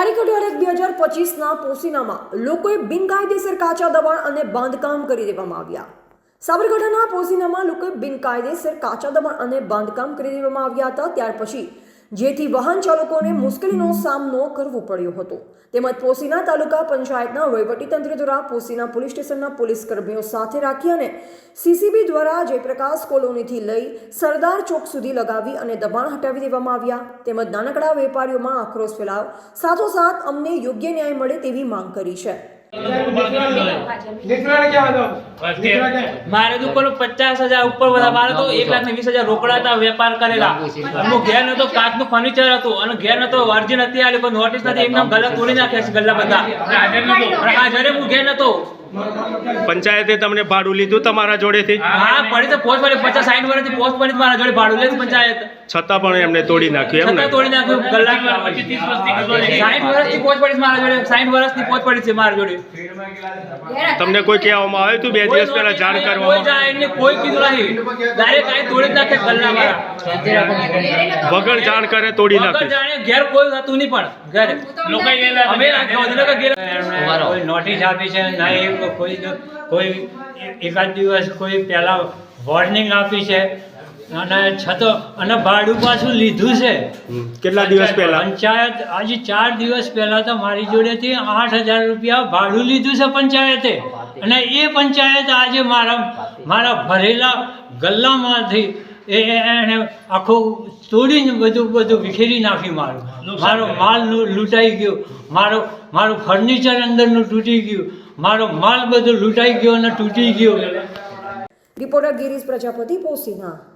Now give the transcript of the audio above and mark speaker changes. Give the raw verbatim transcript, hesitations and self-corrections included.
Speaker 1: તારીખ અઢાર એક બે હજાર પચીસના પોસીનામાં લોકોએ બિનકાયદેસર કાચા દબાણ અને બાંધકામ કરી દેવામાં આવ્યા. સાબરકાંઠાના પોસીનામાં લોકોએ બિનકાયદેસર કાચા દબાણ અને બાંધકામ કરી દેવામાં આવ્યા હતા. ત્યાર પછી જેથી વાહન ચાલકોને મુશ્કેલીનો સામનો કરવો પડ્યો હતો. તેમજ પોસીના તાલુકા પંચાયતના વહીવટીતંત્ર દ્વારા પોસીના પોલીસ સ્ટેશનના પોલીસ કર્મીઓ સાથે રાખી અને સીસીબી દ્વારા જયપ્રકાશ કોલોનીથી લઈ સરદાર ચોક સુધી લગાવી અને દબાણ હટાવી દેવામાં આવ્યા. તેમજ નાનકડા વેપારીઓમાં આક્રોશ ફેલાવ સાથોસાથ અમને યોગ્ય ન્યાય મળે તેવી માંગ કરી છે.
Speaker 2: મારે તો કોઈ પચાસ હજાર ઉપર બધા મારે તો એક લાખ ને વીસ હજાર રોકડા હતા વેપાર કરેલા. હું ઘેર નતો કાચનું ફર્નિચર હતું અને ઘેર નતો અરજી નથી આલી કોઈ નોટિસ નથી એકદમ ગલ્લા તોડી નાખ્યા છે ગલ્લા બધા. હાજરે હું ઘેર નતો.
Speaker 3: પંચાયતે તમને ભાડું લીધું તમારા જોડેથી?
Speaker 2: હા પડી તો પોસ્ટ પડી પચાસ સાઠ વર્ષથી પોસ્ટ પડી મારા જોડે ભાડું લે પંચાયત.
Speaker 3: છતાં પણ એમને તોડી નાખ્યું એમ ને?
Speaker 2: તોડી નાખ્યું ગલ્લા. સાઠ વર્ષથી પોસ્ટ પડી મારા જોડે. સાઠ વર્ષની પોસ્ટ પડી છે મારા જોડે.
Speaker 3: તમને કોઈ કહેવામાં આવ્યું હતું બે દિવસ પહેલા જાણ
Speaker 2: કોઈ
Speaker 3: કરવામાં?
Speaker 2: જાય એને કોઈ કીધું નહીં. ડાયરેક્ટ આઈ તોડી નાખે ગલ્લા મારા.
Speaker 3: વગર જાણ કરે તોડી
Speaker 2: વગર
Speaker 3: નાખે?
Speaker 2: જાણે ઘેર કોઈ હતું નહીં પણ ઘરે લોકો અમે ગાંધીનગર ગયેલા.
Speaker 4: કોઈ નોટિસ આપી છે નહીં, કોઈ કોઈ એકાદ દિવસ કોઈ પહેલા વોર્નિંગ આપી છે અને છતાં અને ભાડું પાછું લીધું છે.
Speaker 3: કેટલા દિવસ પહેલા?
Speaker 4: પંચાયત આજે ચાર દિવસ પહેલા તો મારી જોડેથી આઠ હજાર રૂપિયા ભાડું લીધું છે પંચાયતે. અને એ પંચાયત આજે મારા મારા ભરેલા ગલ્લામાંથી એ એને આખું તોડીને બધું બધું વિખેરી નાખી. મારું મારો માલ લૂંટાઈ ગયો, મારો મારું ફર્નિચર અંદરનું તૂટી ગયું, મારો માલ બધો લૂંટાઈ ગયો અને તૂટી ગયો.
Speaker 1: રિપોર્ટર ગિરીશ પ્રજાપતિ, પોસીના.